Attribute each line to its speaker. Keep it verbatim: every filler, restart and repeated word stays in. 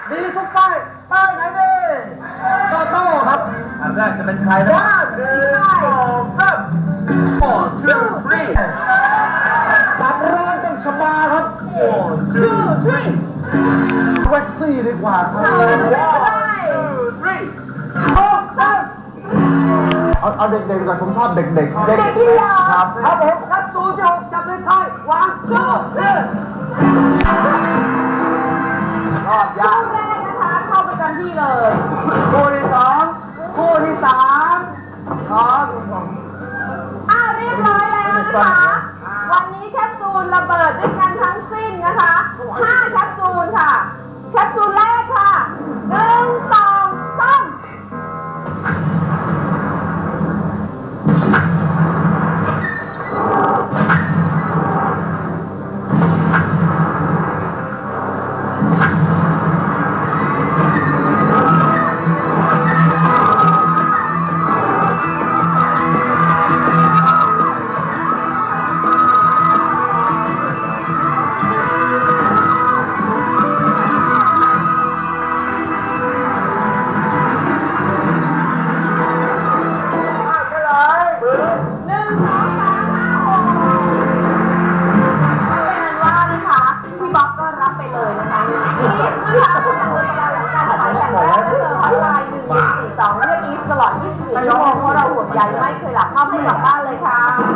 Speaker 1: ดีทุกป้ายป้ายไหนดีโตโต้ครับอันแรกจะเป็นใครนะหนึ่งสองสาม one two three ตัดร้อนกันสบายครับ one two three แว็กซี่ดีกว่าครับ one two three เอาเอาเด็กๆก่อนผมชอบเด็กๆเด็กที่ยาวครับครับผมครับตูจะจับเป็นไทยวางสู้เชื่อรอบยาก
Speaker 2: คู่แรกนะคะเข้าประจำที่เลย
Speaker 1: คู่ที่สองคู่ที่สามครับ
Speaker 2: อ้าวเรียบร้อยแล้วนะคะวันนี้แคปซูลระเบิดด้วยกันทั้งสิ้นนะคะห้าแคปซูลค่ะแคปซูลแรกค่ะหนึ่งสองสาม หนึ่งสองสามห้าหกเป็นว่านะคะพี่บ๊อบก็รับไปเลยนะคะอีฟนะคะผู้จัดการหลังการขายแบบแรกก็คือฮอตไลน์หนึ่งหนึ่งสี่สองเรียกอีฟตลอดยี่สิบสี่ชั่วโมงเพราะเราห่วงใยไม่เคยหลับเข้าไม่กลับบ้านเลยค่ะ